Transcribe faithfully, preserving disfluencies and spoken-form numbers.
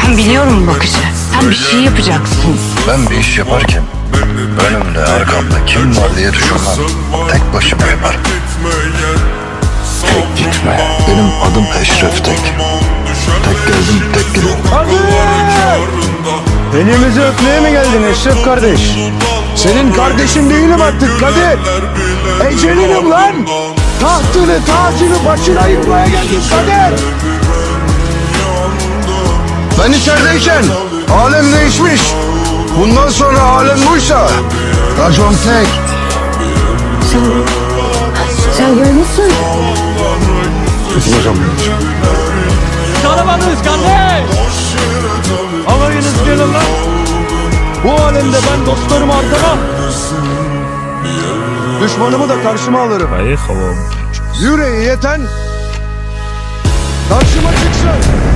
Ben biliyorum bakışı. Sen bir şey yapacaksın. Ben bir iş yaparken önümde arkamda kim var diye düşünmem. Tek başıma yaparım. Tek gitme. Benim adım Eşref Tek. Tek geldim tek giderim. Elimizi öpmeye mi geldin Eşref kardeş? Senin kardeşin değilim artık Kadir. Ecelinim lan. Tahtını tacını başına yıkmaya geldim Kadir. Ben içerideyken alem değişmiş. Bundan sonra alem buysa racon tek. Sen, sen görmüşsün. Hocam. Karamanız kardeş. Alayınız gelin lan. Bu alemde ben dostlarımı arkama, düşmanımı da karşıma alırım. Yüreği yeten karşıma çıksın.